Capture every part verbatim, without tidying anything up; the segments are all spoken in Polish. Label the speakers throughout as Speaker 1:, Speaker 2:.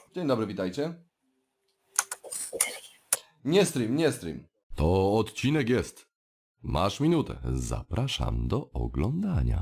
Speaker 1: Dzień dobry, witajcie. Nie stream, nie stream.
Speaker 2: To odcinek jest. Masz minutę. Zapraszam do oglądania.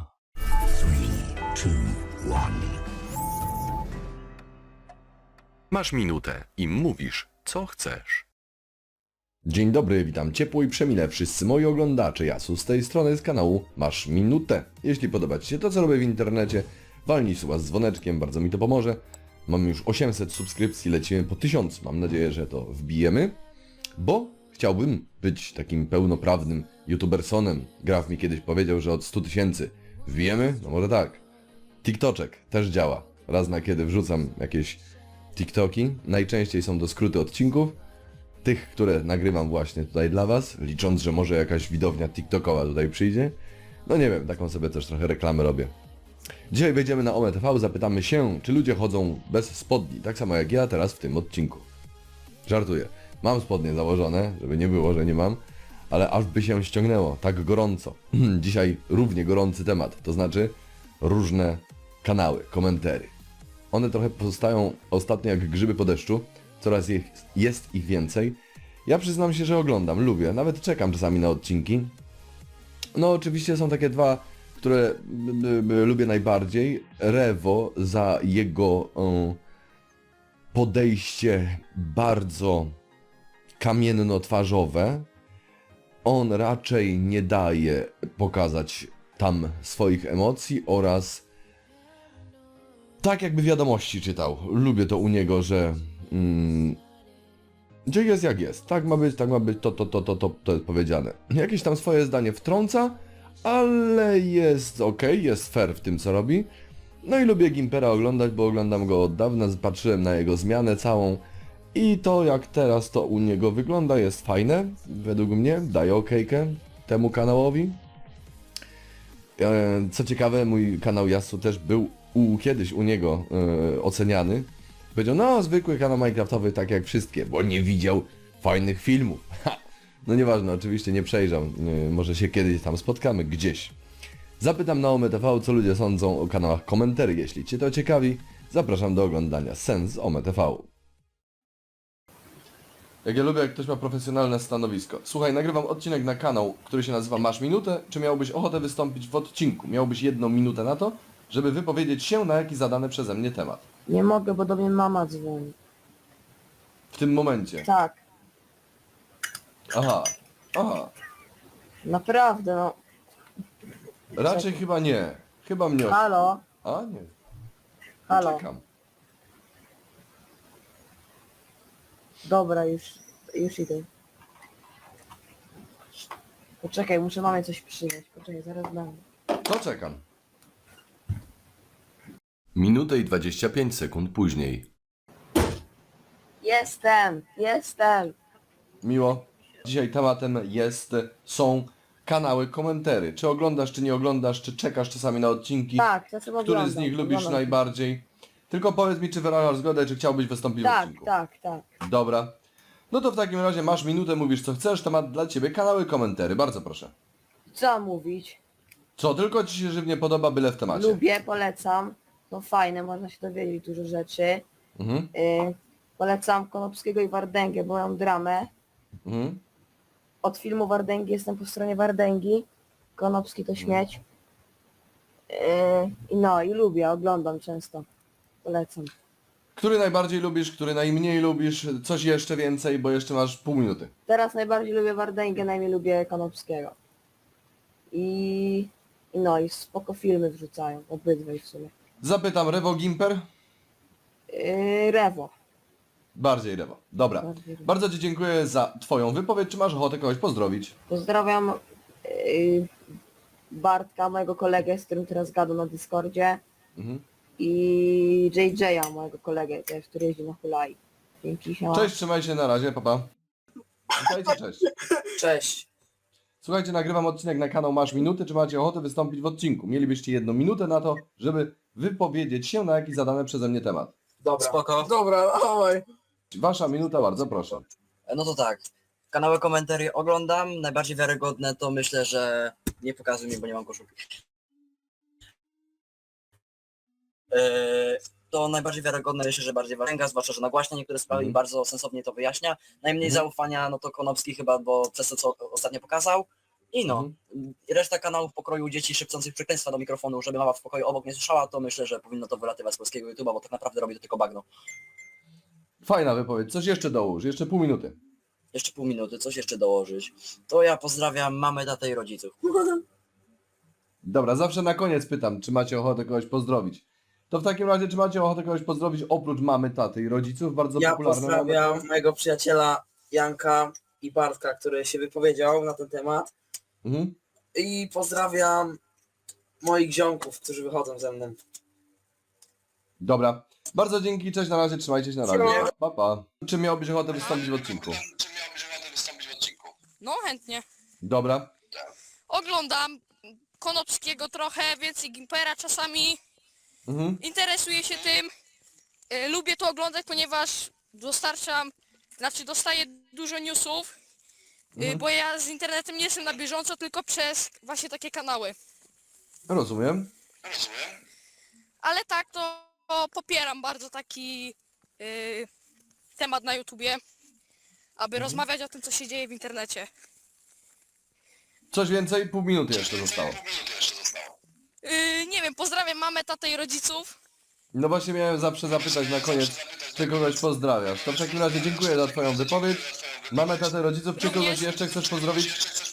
Speaker 2: Masz minutę i mówisz, co chcesz.
Speaker 1: Dzień dobry, witam ciepło i przemile wszyscy moi oglądacze. Jasu z tej strony z kanału Masz Minutę. Jeśli podoba Ci się to, co robię w internecie, walnij suba z dzwoneczkiem, bardzo mi to pomoże. Mamy już osiemset subskrypcji, lecimy po tysiąc. Mam nadzieję, że to wbijemy, bo chciałbym być takim pełnoprawnym youtubersonem. Graf mi kiedyś powiedział, że od stu tysięcy wbijemy? No może tak. TikToczek też działa. Raz na kiedy wrzucam jakieś TikToki. Najczęściej są to skróty odcinków. Tych, które nagrywam właśnie tutaj dla Was, licząc, że może jakaś widownia TikTokowa tutaj przyjdzie. No nie wiem, taką sobie też trochę reklamę robię. Dzisiaj wejdziemy na Ome T V, zapytamy się, czy ludzie chodzą bez spodni, tak samo jak ja teraz w tym odcinku. Żartuję. Mam spodnie założone, żeby nie było, że nie mam, ale aż by się ściągnęło, tak gorąco. Dzisiaj równie gorący temat, to znaczy różne kanały, komentary. One trochę pozostają ostatnio jak grzyby po deszczu, coraz ich, jest ich więcej. Ja przyznam się, że oglądam, lubię, nawet czekam czasami na odcinki. No oczywiście są takie dwa, które b, b, lubię najbardziej. Rewo za jego y, podejście bardzo kamienno-twarzowe. On raczej nie daje pokazać tam swoich emocji oraz tak jakby wiadomości czytał. Lubię to u niego, że mm, gdzie jest jak jest. Tak ma być, tak ma być, to, to, to, to, to, to jest powiedziane. Jakieś tam swoje zdanie wtrąca, ale jest ok, jest fair w tym co robi. No i lubię Gimpera oglądać, bo oglądam go od dawna, patrzyłem na jego zmianę całą i to jak teraz to u niego wygląda jest fajne, według mnie, daję okejkę temu kanałowi. Co ciekawe, mój kanał Yasu też był u, kiedyś u niego e, oceniany. Powiedział, no zwykły kanał Minecraftowy tak jak wszystkie, bo nie widział fajnych filmów. Ha! No nieważne, oczywiście nie przejrzał, e, może się kiedyś tam spotkamy gdzieś. Zapytam na Ome T V, co ludzie sądzą o kanałach komentarzy. Jeśli Cię to ciekawi, zapraszam do oglądania Sens Ome T V. Jak ja lubię, jak ktoś ma profesjonalne stanowisko. Słuchaj, nagrywam odcinek na kanał, który się nazywa Masz Minutę. Czy miałbyś ochotę wystąpić w odcinku? Miałbyś jedną minutę na to, żeby wypowiedzieć się na jaki zadany przeze mnie temat.
Speaker 3: Nie mogę, bo do mnie mama dzwoni.
Speaker 1: W tym momencie.
Speaker 3: Tak,
Speaker 1: Aha, aha.
Speaker 3: naprawdę, no.
Speaker 1: Raczej chyba nie. Chyba mnie...
Speaker 3: Halo,
Speaker 1: A, nie.
Speaker 3: halo.
Speaker 1: Czekam.
Speaker 3: Dobra, już, już idę. Poczekaj, muszę mamie coś przynieść. Poczekaj, zaraz dam.
Speaker 1: To czekam.
Speaker 2: Minutę i dwadzieścia pięć sekund później.
Speaker 3: Jestem, jestem.
Speaker 1: Miło. Dzisiaj tematem jest, są kanały komentarzy. Czy oglądasz, czy nie oglądasz, czy czekasz czasami na odcinki?
Speaker 3: Tak, czasem
Speaker 1: Który
Speaker 3: oglądam.
Speaker 1: z nich lubisz
Speaker 3: oglądam.
Speaker 1: najbardziej? Tylko powiedz mi, czy wyrażasz zgodę, czy chciałbyś wystąpić w
Speaker 3: Tak,
Speaker 1: odcinku.
Speaker 3: tak, tak.
Speaker 1: Dobra. No to w takim razie masz minutę, mówisz co chcesz, temat dla Ciebie, kanały komentarzy. Bardzo proszę.
Speaker 3: Co mówić?
Speaker 1: Co tylko Ci się żywnie podoba, byle w temacie.
Speaker 3: Lubię, polecam. No fajne, można się dowiedzieć dużo rzeczy.
Speaker 1: Mhm.
Speaker 3: Y, polecam Konopskiego i Wardęgę, bo mam dramę.
Speaker 1: Mhm.
Speaker 3: Od filmu Wardęgi jestem po stronie Wardęgi. Konopski to śmieć. Yy, I no, i lubię, oglądam często. Polecam.
Speaker 1: Który najbardziej lubisz, który najmniej lubisz, coś jeszcze więcej, bo jeszcze masz pół minuty.
Speaker 3: Teraz najbardziej lubię Wardęgę, najmniej lubię Konopskiego. I, I no, i spoko filmy wrzucają, obydwaj w sumie.
Speaker 1: Zapytam, Rewo Gimper?
Speaker 3: Yy, Rewo.
Speaker 1: Bardziej Rewo. Dobra.
Speaker 3: Bardziej Rewo.
Speaker 1: Bardzo Ci dziękuję za Twoją wypowiedź. Czy masz ochotę kogoś pozdrowić?
Speaker 3: Pozdrawiam yy, Bartka, mojego kolegę, z którym teraz gadam na Discordzie.
Speaker 1: Mhm.
Speaker 3: I J J a, mojego kolegę też, który jeździ na hulaj. Dzięki, siema.
Speaker 1: Cześć, trzymaj się, na razie, papa. Witajcie, cześć.
Speaker 4: Cześć.
Speaker 1: Słuchajcie, nagrywam odcinek na kanał Masz Minutę. Czy macie ochotę wystąpić w odcinku? Mielibyście jedną minutę na to, żeby wypowiedzieć się na jaki zadany przeze mnie temat.
Speaker 4: Dobra. Spoko.
Speaker 5: Dobra, dawaj.
Speaker 1: Wasza minuta, bardzo proszę.
Speaker 4: No to tak. Kanały komentarzy oglądam. Najbardziej wiarygodne to myślę, że nie pokazuj mi, bo nie mam koszulki. Yy, to najbardziej wiarygodne myślę, że bardziej Wardęga, zwłaszcza, że nagłaśnia niektóre sprawy
Speaker 1: Mhm.
Speaker 4: i bardzo sensownie to wyjaśnia. Najmniej
Speaker 1: Mhm.
Speaker 4: zaufania, no to Konopski chyba, bo przez to, co ostatnio pokazał. I no,
Speaker 1: Mhm.
Speaker 4: reszta kanałów pokroju dzieci szepcących przekleństwa do mikrofonu, żeby mama w pokoju obok nie słyszała, to myślę, że powinno to wylatywać z polskiego YouTube'a, bo tak naprawdę robi to tylko bagno.
Speaker 1: Fajna wypowiedź. Coś jeszcze dołóż. Jeszcze pół minuty.
Speaker 4: Jeszcze pół minuty, coś jeszcze dołożyć. To ja pozdrawiam mamę, tatę i rodziców.
Speaker 1: Dobra, zawsze na koniec pytam, czy macie ochotę kogoś pozdrowić. To w takim razie, czy macie ochotę kogoś pozdrowić oprócz mamy, taty i rodziców? Bardzo
Speaker 5: Ja
Speaker 1: popularne
Speaker 5: pozdrawiam
Speaker 1: mamy.
Speaker 5: mojego przyjaciela Janka i Bartka, który się wypowiedział na ten temat.
Speaker 1: Mhm.
Speaker 5: I pozdrawiam moich ziomków, którzy wychodzą ze mną.
Speaker 1: Dobra. Bardzo dzięki, cześć, na razie, trzymajcie się, na razie.
Speaker 5: Siema.
Speaker 1: Pa, pa. Czy miałbyś ochotę wystąpić w odcinku?
Speaker 6: No chętnie.
Speaker 1: Dobra.
Speaker 6: Oglądam Konopskiego trochę, więcej Gimpera czasami.
Speaker 1: Mhm.
Speaker 6: Interesuję się tym. Y, Lubię to oglądać, ponieważ dostarczam, znaczy dostaję dużo newsów. y,
Speaker 1: Mhm.
Speaker 6: Bo ja z internetem nie jestem na bieżąco, tylko przez właśnie takie kanały.
Speaker 1: Rozumiem.
Speaker 6: Ale tak, to, to popieram bardzo taki y, temat na YouTubie, aby rozmawiać o tym, co się dzieje w internecie.
Speaker 1: Coś więcej? Pół minuty jeszcze zostało.
Speaker 6: Y, nie wiem, pozdrawiam mamę, tatę i rodziców.
Speaker 1: No właśnie miałem zawsze zapytać na koniec, czy kogoś pozdrawiasz. To w takim razie dziękuję za twoją wypowiedź. Mamy tatę rodziców, czy kogoś
Speaker 6: Również.
Speaker 1: jeszcze chcesz pozdrowić?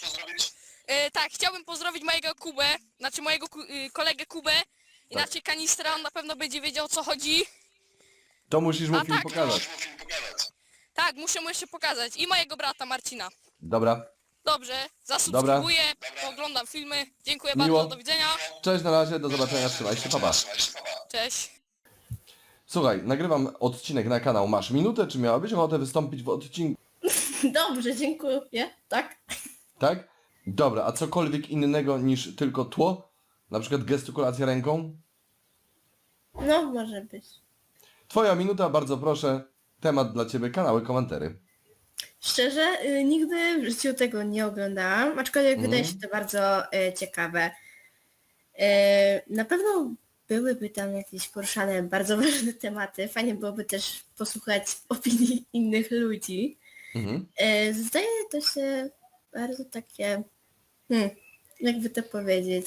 Speaker 6: E, tak, chciałbym pozdrowić mojego Kubę, znaczy mojego ku, y, kolegę Kubę, inaczej Kanistra, on na pewno będzie wiedział o co chodzi.
Speaker 1: To musisz mu
Speaker 6: A
Speaker 1: film
Speaker 6: tak,
Speaker 1: pokazać.
Speaker 6: Tak, muszę mu jeszcze pokazać. I mojego brata Marcina.
Speaker 1: Dobra.
Speaker 6: Dobrze, zasubskrybuję, oglądam filmy. Dziękuję
Speaker 1: Miło.
Speaker 6: bardzo, do widzenia.
Speaker 1: Cześć, na razie, do zobaczenia, trzymaj się, pa, pa.
Speaker 6: Cześć.
Speaker 1: Słuchaj, nagrywam odcinek na kanał Masz Minutę, czy miałabyś ochotę wystąpić w odcinku,
Speaker 7: Dobrze, dziękuję. Tak?
Speaker 1: tak? Dobra, a cokolwiek innego niż tylko tło? Na przykład gestykulacja ręką?
Speaker 7: No, może być.
Speaker 1: Twoja minuta, bardzo proszę. Temat dla ciebie, kanały, komentary.
Speaker 7: Szczerze, y, nigdy w życiu tego nie oglądałam, aczkolwiek
Speaker 1: Mhm.
Speaker 7: wydaje się to bardzo y, ciekawe. Y, na pewno byłyby tam jakieś poruszane bardzo ważne tematy. Fajnie byłoby też posłuchać opinii innych ludzi.
Speaker 1: Mhm.
Speaker 7: Y, zdaje to się bardzo takie, hmm, jakby to powiedzieć,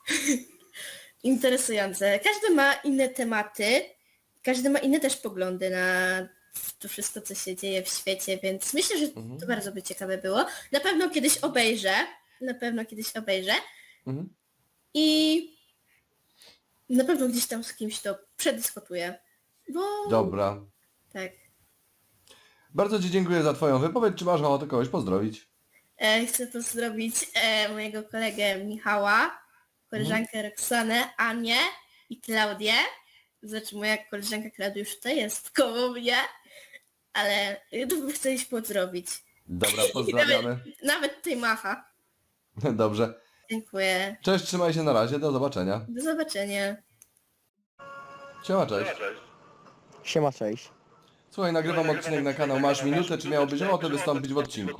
Speaker 7: interesujące. Każdy ma inne tematy, każdy ma inne też poglądy na to wszystko, co się dzieje w świecie, więc myślę, że
Speaker 1: Mhm.
Speaker 7: to bardzo by ciekawe było. Na pewno kiedyś obejrzę, na pewno kiedyś obejrzę
Speaker 1: Mhm.
Speaker 7: i na pewno gdzieś tam z kimś to przedyskutuję, bo
Speaker 1: Dobra.
Speaker 7: tak.
Speaker 1: Bardzo ci dziękuję za twoją wypowiedź. Czy masz ochotę kogoś pozdrowić?
Speaker 7: E, chcę pozdrowić e, mojego kolegę Michała, koleżankę Roxanę, Anię i Klaudię. Znaczy moja koleżanka Klaudia już tutaj jest koło mnie, ale e, to bym chcę iść pozdrowić.
Speaker 1: Dobra, pozdrawiamy.
Speaker 7: Nawet tej macha.
Speaker 1: Dobrze.
Speaker 7: Dziękuję.
Speaker 1: Cześć, trzymaj się, na razie, do zobaczenia.
Speaker 7: Do zobaczenia.
Speaker 1: Siema, cześć.
Speaker 8: Siema, cześć.
Speaker 1: Słuchaj, nagrywam odcinek na kanał Masz Minutę, czy miałbyś ochotę wystąpić w odcinku?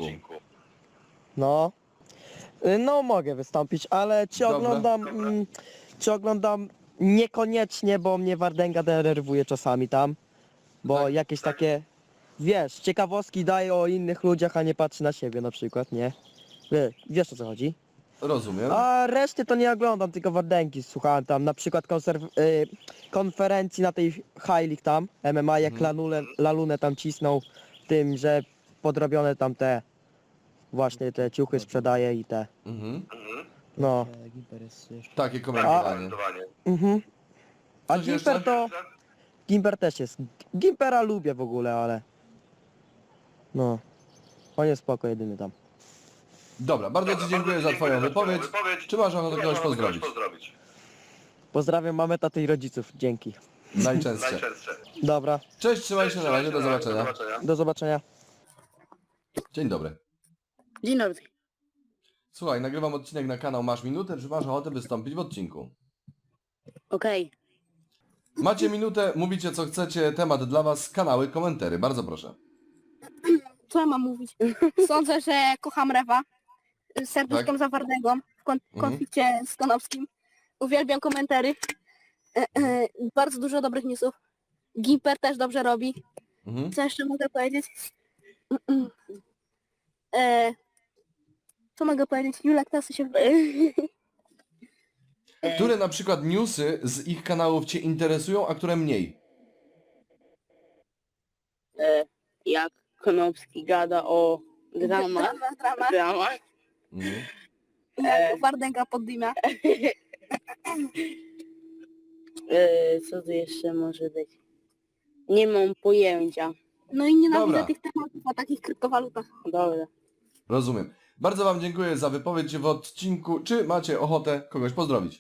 Speaker 8: No. Y, No mogę wystąpić, ale czy
Speaker 1: Dobra.
Speaker 8: oglądam... Mm, czy oglądam niekoniecznie, bo mnie Wardęga denerwuje czasami tam. Bo
Speaker 1: Tak.
Speaker 8: jakieś takie... Wiesz, ciekawostki daje o innych ludziach, a nie patrzy na siebie na przykład, nie? Wie, wiesz o co chodzi?
Speaker 1: Rozumiem.
Speaker 8: A reszty to nie oglądam, tylko Wardęgi słuchałem tam, na przykład konserw- y, konferencji na tej High League tam, M M A, jak
Speaker 1: Mhm.
Speaker 8: Lanule, Lalunę tam cisnął tym, że podrobione tam te właśnie te ciuchy sprzedaje i te,
Speaker 1: Mhm.
Speaker 8: no.
Speaker 1: Takie komentowanie.
Speaker 8: Mhm. A
Speaker 1: Coś jeszcze?
Speaker 8: Gimper to... Gimper też jest. Gimpera lubię w ogóle, ale... No. On jest spoko jedyny tam.
Speaker 1: Dobra, bardzo ci dziękuję za twoją wypowiedź. Czy masz ochotę kogoś pozdrowić?
Speaker 8: Pozdrawiam mamę, tatę i rodziców. Dzięki.
Speaker 1: Najczęstsze.
Speaker 8: Dobra.
Speaker 1: Cześć, trzymaj się, na razie, do zobaczenia.
Speaker 8: Do zobaczenia.
Speaker 1: Dzień dobry.
Speaker 9: Dzień dobry.
Speaker 1: Słuchaj, nagrywam odcinek na kanał Masz Minutę, czy masz ochotę wystąpić w odcinku?
Speaker 9: Okej.
Speaker 1: Macie minutę, mówicie co chcecie, temat dla was, kanały, komentary, bardzo proszę.
Speaker 9: Co ja mam mówić? Sądzę, że kocham Rewa. Serduszką
Speaker 1: Tak?
Speaker 9: za Wardęgą w kon-
Speaker 1: Mhm.
Speaker 9: konflikcie z Konopskim. Uwielbiam komentary. E, e, bardzo dużo dobrych newsów. Gimper też dobrze robi.
Speaker 1: Mhm.
Speaker 9: Co jeszcze mogę powiedzieć? Mm-mm. E, co mogę powiedzieć? Julek teraz się...
Speaker 1: Które na przykład newsy z ich kanałów cię interesują, a które mniej?
Speaker 10: Jak Konopski gada o dramach.
Speaker 9: Drama, drama.
Speaker 10: Dramach.
Speaker 1: Mhm.
Speaker 9: Jak Wardęga pod dymia.
Speaker 10: E, co tu jeszcze może być? Nie mam pojęcia.
Speaker 9: No i nienawidzę
Speaker 1: Dobra.
Speaker 9: tych tematów o takich kryptowalutach.
Speaker 10: Dobra.
Speaker 1: Rozumiem. Bardzo wam dziękuję za wypowiedź w odcinku. Czy macie ochotę kogoś pozdrowić?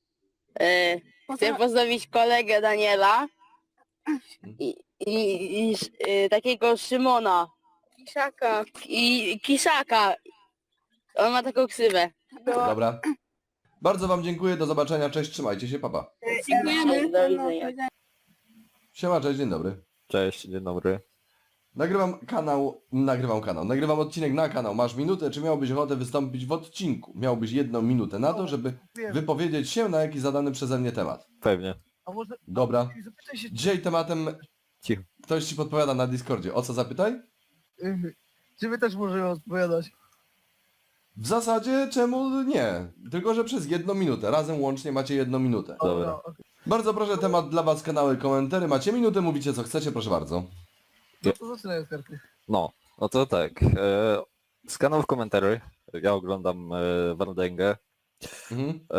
Speaker 10: E, chcę pozdrowić kolegę Daniela i, i, i e, takiego Szymona
Speaker 9: Kiszaka.
Speaker 10: i Kiszaka. On ma taką ksywę.
Speaker 1: Dobra. Bardzo wam dziękuję, do zobaczenia, cześć, trzymajcie się, papa.
Speaker 9: Dziękujemy.
Speaker 10: Do widzenia.
Speaker 1: Siema, cześć, dzień dobry.
Speaker 11: Cześć, dzień dobry.
Speaker 1: Nagrywam kanał, nagrywam kanał, nagrywam odcinek na kanał. Masz minutę, czy miałbyś ochotę wystąpić w odcinku? Miałbyś jedną minutę na to, żeby wypowiedzieć się na jakiś zadany przeze mnie temat.
Speaker 11: Pewnie.
Speaker 12: A może
Speaker 1: Dobra.
Speaker 12: zapytaj się,
Speaker 1: Dzisiaj tematem...
Speaker 11: Cicho.
Speaker 1: Ktoś ci podpowiada na Discordzie. O co zapytaj?
Speaker 12: czy, czy my też możemy odpowiadać?
Speaker 1: W zasadzie czemu nie? Tylko, że przez jedną minutę. Razem łącznie macie jedną minutę.
Speaker 11: Dobra.
Speaker 12: okej.
Speaker 1: Bardzo proszę, temat dla was, kanały, komentary. Macie minutę, mówicie co chcecie, proszę bardzo.
Speaker 12: No to zaczynaj od karty.
Speaker 11: No, no to tak. E, z kanałów komentarzy. Ja oglądam e, Wardęgę.
Speaker 1: Mhm.
Speaker 11: E,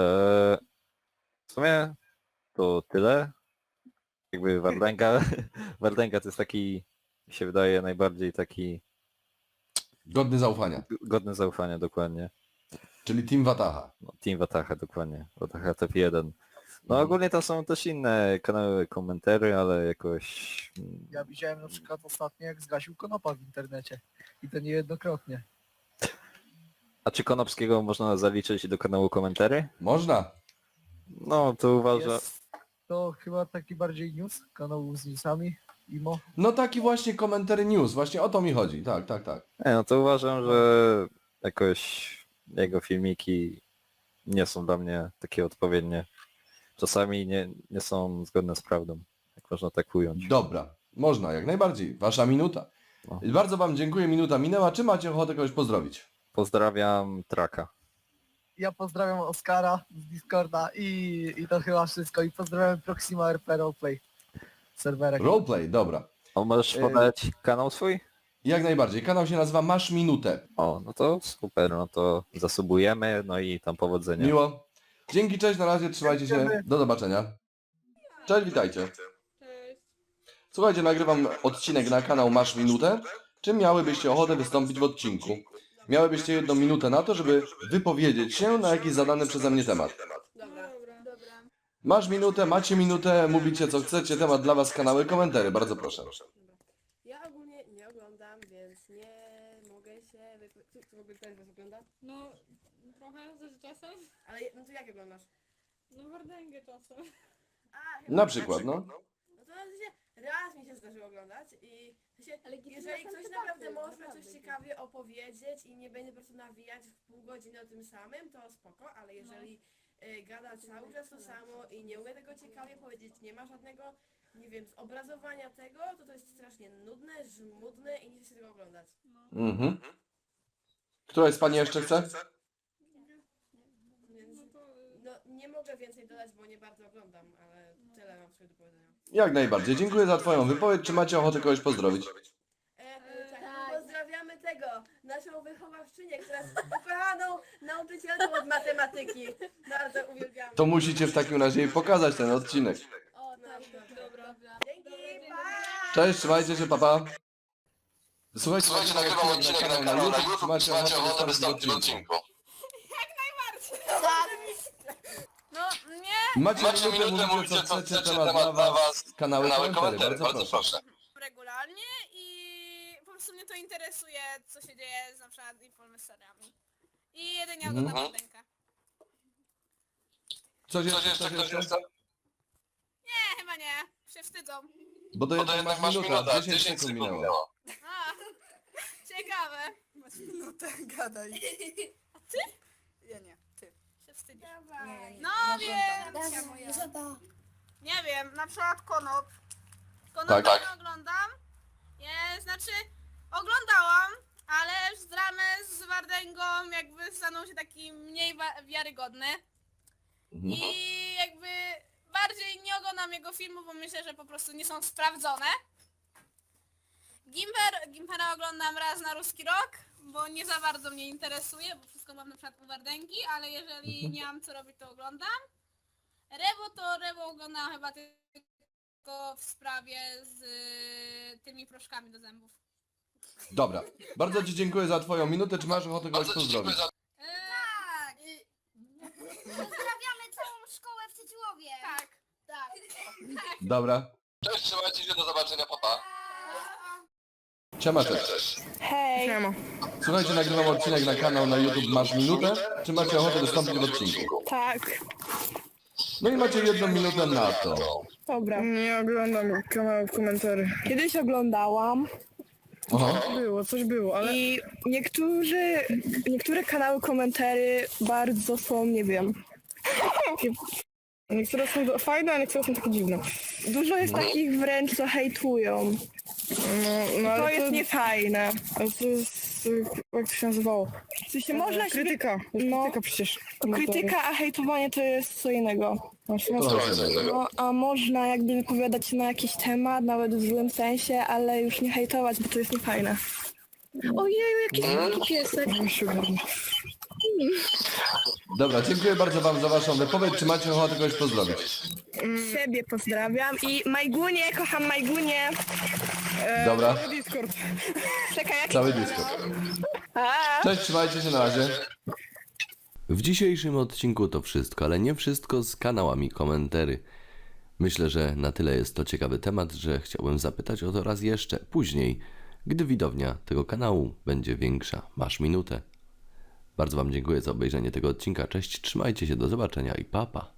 Speaker 11: w sumie to tyle. Jakby Wardęga, Wardęga to jest taki, mi się wydaje, najbardziej taki
Speaker 1: Godny zaufania.
Speaker 11: godny zaufania, dokładnie.
Speaker 1: Czyli Team Wataha.
Speaker 11: No, Team Wataha, dokładnie. Wataha top jeden. No ogólnie tam są też inne kanały komentarzy, ale jakoś... mm,
Speaker 12: Ja widziałem na przykład ostatnio, jak zgasił Konopa w internecie. I to niejednokrotnie.
Speaker 11: A czy Konopskiego można zaliczyć do kanału komentarzy?
Speaker 1: Można.
Speaker 11: No to uważam...
Speaker 12: Jest to chyba taki bardziej news, kanał z newsami, imo.
Speaker 1: No taki właśnie komentary news, właśnie o to mi chodzi. Tak, tak, tak.
Speaker 11: Nie, no to uważam, że jakoś jego filmiki nie są dla mnie takie odpowiednie. Czasami nie, nie są zgodne z prawdą, jak można tak ująć.
Speaker 1: Dobra. Można, jak najbardziej. Wasza minuta.
Speaker 11: No.
Speaker 1: Bardzo wam dziękuję, minuta minęła. Czy macie ochotę kogoś pozdrowić?
Speaker 11: Pozdrawiam Traka.
Speaker 12: Ja pozdrawiam Oskara z Discorda i, i to chyba wszystko. I pozdrawiam Proxima R P Roleplay. Serwerek.
Speaker 1: Roleplay, dobra.
Speaker 11: A możesz
Speaker 1: Yy.
Speaker 11: podać kanał swój?
Speaker 1: Jak najbardziej. Kanał się nazywa Masz Minutę.
Speaker 11: O, no to super, no to zasubujemy, no i tam powodzenia.
Speaker 1: Miło. Dzięki, cześć, na razie, trzymajcie się. Do zobaczenia. Cześć, witajcie. Słuchajcie, nagrywam odcinek na kanał Masz Minutę. Czy miałybyście ochotę wystąpić w odcinku? Miałybyście jedną minutę na to, żeby wypowiedzieć się na jakiś zadany przeze mnie temat.
Speaker 6: Dobra, dobra.
Speaker 1: Masz minutę, macie minutę, mówicie co chcecie, temat dla was, kanały, komentary, bardzo proszę.
Speaker 10: Ja ogólnie nie oglądam, więc nie mogę się wypowiedzieć. Czy w ogóle ktoś was ogląda?
Speaker 6: No, trochę ze czasem.
Speaker 10: Ale no to jak oglądasz?
Speaker 6: No Wardęgę czasem.
Speaker 10: A,
Speaker 1: Na przykład, no.
Speaker 10: No to się raz mi się zdarzyło oglądać i się, jeżeli ktoś naprawdę może coś ciekawie opowiedzieć i nie będzie po prostu nawijać w pół godziny o tym samym, to spoko, ale jeżeli y, gada cały czas to samo i nie umie tego ciekawie powiedzieć, nie ma żadnego, nie wiem, zobrazowania tego, to to jest strasznie nudne, żmudne i nie chce się tego oglądać.
Speaker 1: Mhm. Któraś z pani jeszcze chce?
Speaker 10: Więc no, nie mogę więcej dodać, bo nie bardzo oglądam, ale tyle mam sobie do powiedzenia.
Speaker 1: Jak najbardziej. Dziękuję za twoją wypowiedź. Czy macie ochotę kogoś pozdrowić?
Speaker 10: E, tak, pozdrawiamy tego, naszą wychowawczynię, która jest ukochaną nauczycielką od matematyki. Bardzo uwielbiamy.
Speaker 1: To musicie w takim razie jej pokazać ten odcinek.
Speaker 10: O, tak, dobra. Dzięki, pa!
Speaker 1: Cześć, trzymajcie się, papa. Słuchajcie, nagrywam odcinek na kanał na YouTube. Czy macie ochotę wystąpić w odcinku?
Speaker 6: No, nie.
Speaker 1: Macie minutę, mówicie co chcecie, temat dla was, kanały, komentary, bardzo proszę.
Speaker 6: Regularnie i po prostu mnie to interesuje, co się dzieje z na przykład influencerami. I jedynie
Speaker 1: Mhm.
Speaker 6: oglądam Wardęgę.
Speaker 1: Coś jeszcze, coś jeszcze?
Speaker 6: Nie, chyba nie. Się wstydzą.
Speaker 1: Bo to jednak masz minuta, dziesięć sekund minęło.
Speaker 6: A, ciekawe.
Speaker 10: Masz minutę, gadaj.
Speaker 6: A ty?
Speaker 10: Ja nie, ty.
Speaker 6: Się wstydzisz.
Speaker 10: Nie, nie,
Speaker 6: No wiem. Nie wiem, na przykład Konop.
Speaker 10: Konopka
Speaker 1: Tak.
Speaker 10: nie oglądam. Nie, znaczy oglądałam, ale już z dramę z Wardęgą jakby stanął się taki mniej wa- wiarygodny.
Speaker 1: Mhm.
Speaker 10: I jakby bardziej nie oglądam jego filmów, bo myślę, że po prostu nie są sprawdzone. Gimper, Gimpera oglądam raz na ruski rok, bo nie za bardzo mnie interesuje, bo wszystko mam na przykład u Wardęgi, ale jeżeli nie mam co robić, to oglądam. Rewo to Rewo oglądam chyba tylko w sprawie z y, tymi proszkami do zębów.
Speaker 1: Dobra, bardzo Ci dziękuję za Twoją minutę. Czy masz ochotę kogoś pozdrowić?
Speaker 10: Tak! Pozdrawiamy całą szkołę w Tytułowie. Tak, tak.
Speaker 1: Dobra.
Speaker 2: Cześć, trzymajcie się, do zobaczenia, papa.
Speaker 1: Siema, cześć.
Speaker 9: Hej.
Speaker 1: Słuchajcie, nagrywam odcinek na kanał na YouTube Masz Minutę. Czy macie ochotę wystąpić w odcinku?
Speaker 9: Tak.
Speaker 1: No i macie jedną minutę na to.
Speaker 9: Dobra.
Speaker 12: Nie oglądam kanałów komentarzy.
Speaker 9: Kiedyś oglądałam
Speaker 1: Aha.
Speaker 12: Było, coś było, ale...
Speaker 9: i niektórzy, niektóre kanały komentarzy bardzo są, nie wiem.
Speaker 12: Niektóre są fajne, a niektóre są takie dziwne.
Speaker 9: Dużo jest takich wręcz, co hejtują.
Speaker 12: No, no ale
Speaker 9: To jest niefajne.
Speaker 12: Ale to jest... y, jak to się nazywało?
Speaker 9: W sensie można się...
Speaker 12: Krytyka. To jest
Speaker 9: No.
Speaker 12: krytyka przecież.
Speaker 9: Krytyka, a hejtowanie to jest co innego.
Speaker 1: Trochę innego.
Speaker 9: No, a można jakby wypowiadać się na jakiś temat, nawet w złym sensie, ale już nie hejtować, bo to jest niefajne. Ojeju, jaki słodki piesek.
Speaker 1: Dobra, dziękuję bardzo Wam za Waszą wypowiedź. Czy macie ochotę kogoś pozdrowić?
Speaker 9: Siebie pozdrawiam i Majgunie, kocham Majgunie.
Speaker 1: Dobra,
Speaker 12: Discord.
Speaker 9: Czekaj, jak...
Speaker 1: cały Discord. Cześć, trzymajcie się, na razie.
Speaker 2: W dzisiejszym odcinku to wszystko, ale nie wszystko z kanałami komentarzy. Myślę, że na tyle jest to ciekawy temat, że chciałbym zapytać o to raz jeszcze później, gdy widownia tego kanału będzie większa. Masz minutę. Bardzo Wam dziękuję za obejrzenie tego odcinka. Cześć, trzymajcie się, do zobaczenia i pa pa.